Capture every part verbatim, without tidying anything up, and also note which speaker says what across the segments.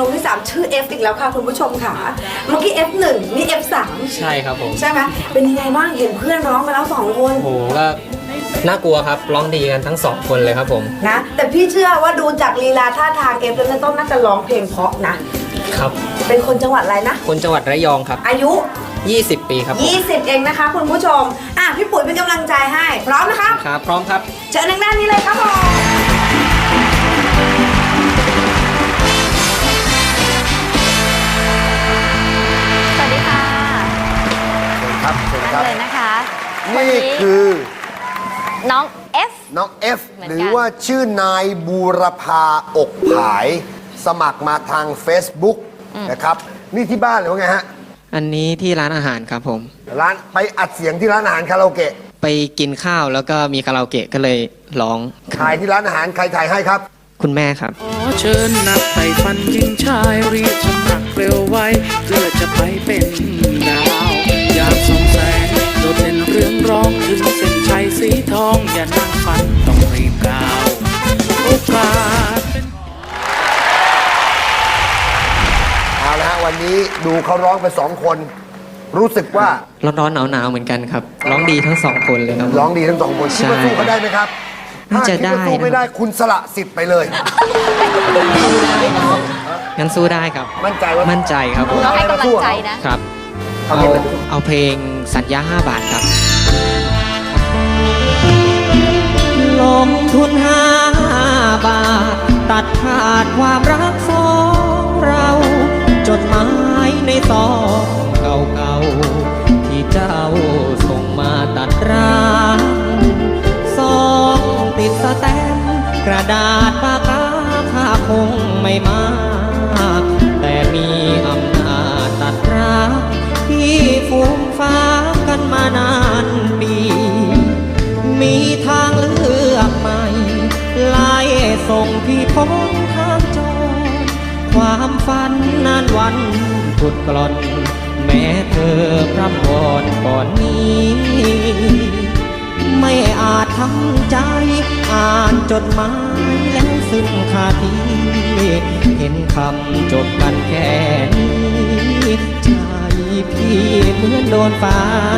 Speaker 1: นมที่สามชื่อ F อีกแล้วค่ะคุณผู้ชมค่ะเมื่อกี้ เอฟ หนึ่ง นี่ เอฟ สาม
Speaker 2: ใช่ครับผม
Speaker 1: ใช่ไหมเป็นยังไงบ้างเห็นเพื่อนร้องไปแล้วสองคน
Speaker 2: โอ้โหก็น่ากลัวครับร้องดีกันทั้งสองคนเลยครับผม
Speaker 1: นะแต่พี่เชื่อว่าดูจากลีลาท่าทาง F แล้วต้องน่าจะร้องเพลงเพราะนะครับเป็นคนจังหวัดอะไรนะ
Speaker 2: คนจังหวัดระยองครับ
Speaker 1: อายุ
Speaker 2: ยี่สิบปีครับผม
Speaker 1: ยี่สิบเองนะคะคุณผู้ชมอ่ะพี่ปุ๋ยเป็นกำลังใจให้พร้อมนะคะ
Speaker 2: ครับพร้อมครับ
Speaker 1: เจอทางด้านนี้เลยครับผม
Speaker 3: สวัสดีค่ะ
Speaker 4: ครับเชิญค
Speaker 3: นั่
Speaker 4: รั
Speaker 3: ง
Speaker 4: บ
Speaker 3: เลยนะคะวั
Speaker 4: นี่คือ
Speaker 3: น้องเอฟ
Speaker 4: น้องเอฟ
Speaker 3: เหมือนกัน
Speaker 4: หรือว่าชื่อนายบูรพาอกผาย สมัครมาทาง Facebook นะครับ นี่ที่บ้านหรือว่าไงฮะ
Speaker 2: อันนี้ที่ร้านอาหารครับผม
Speaker 4: ร้านไปอัดเสียงที่ร้านอาหารคาราโอเกะ
Speaker 2: ไปกินข้าวแล้วก็มีคาราโอเกะก็เลยร้อง
Speaker 4: ถ่ายที่ร้านอาหารใครถ่ายให้ครับ
Speaker 2: คุณแม่ครับ
Speaker 5: ขอเชิญนักไต่ฟันหญิงชายรีบสมัครเร็วไว้เพื่อจะไปเป็นดาว อยากส่องแสงโดดเด่นเรื่องร้องขึ้นเส้นชัยสีทอง อย่านั่งฝันต้องรีบก้าวโอกาสเป็น
Speaker 4: เอาละฮะวันนี้ดูเขาร้องไปสองคน รู้สึกว่า
Speaker 2: ร้อนๆหนาวๆเหมือนกันครับ ร้องดีทั้งสองคนเลยครับ
Speaker 4: ร้องดีทั้งสองคนคิดว่า
Speaker 2: ใช่
Speaker 4: สู้เขาได้ไหมครับ
Speaker 2: น่า
Speaker 4: ถ้า
Speaker 2: จะ
Speaker 4: คิดว่าสู้
Speaker 2: ได้
Speaker 4: ไม่
Speaker 2: นะ
Speaker 4: ได้คุณสละสิทธิ์ไปเลย
Speaker 2: งั้นสู้ได้ครับ
Speaker 4: มั่นใจว่า
Speaker 2: มั่นใจครับผม
Speaker 3: เราให้กำลังใจนะ
Speaker 2: ครับ
Speaker 4: เอา
Speaker 2: เอา
Speaker 4: เพลง
Speaker 2: เอาเพลงสัญญาห้าบาทครับลงทุนห้าบาท ตัดขาดความรักสองเราจดหมายในซองเก่าๆที่เจ้าส่งมาตัดร้างซองติดสแตมป์กระดาษปากกาค่าคงไม่มากแต่มีอำนาจตัดร้างที่ฟูมฟ้ากันมานานปี มีทางเลือกใหม่ไล่ส่งพี่พ้นทางจรความฝันนานวันพุดกล่อน แม้เธอพร่ำวอนก่อนนี้ ไม่อาจทำใจอ่านจดหมายแล้วซึ่งคาทีเห็นคำจบกันแค่นี้ใจพี่เหมือนโดนฟ้า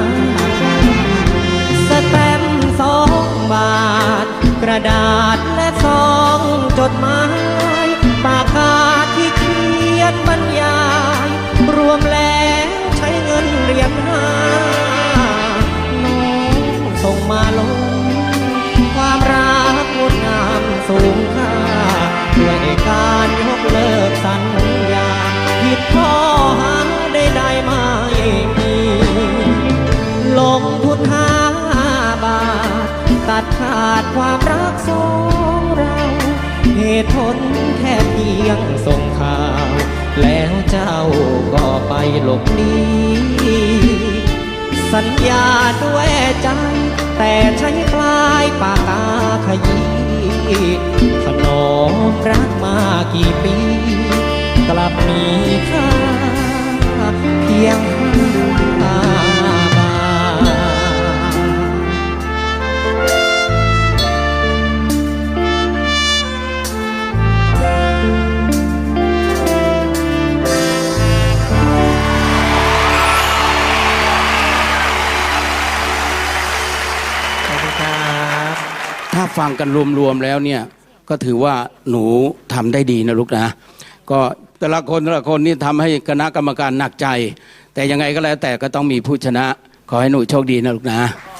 Speaker 2: สแตมป์สองบาท กระดาษและซองจดหมายปากกาที่เขียนบรรยายรวมแล้วใช้เงินเหรียญห้าน้องส่งมาลงความรักงดงามสูงค่าด้วยการยกเลิกสัญญาผิดข้อหาได้ได้ไม่มีลงทุนห้าบาท ตัดขาดความรักสองเราเหตุผลแค่เพียงส่งข่าว แล้วเจ้าก็ไปหลบหนีสัญญาด้วยใจ แต่ใช้ปลายปากกาขยี้ถนอมรักมากี่ปี กลับมีค่าเพียงห้าบาท
Speaker 5: ถ้าฟังกันรวมๆแล้วเนี่ยก็ถือว่าหนูทำได้ดีนะลูกนะ ก็แต่ละคนแต่ละคนนี่ทำให้คณะกรรมการหนักใจ แต่ยังไงก็แล้วแต่ก็ต้องมีผู้ชนะ ขอให้หนูโชคดีนะลูกนะ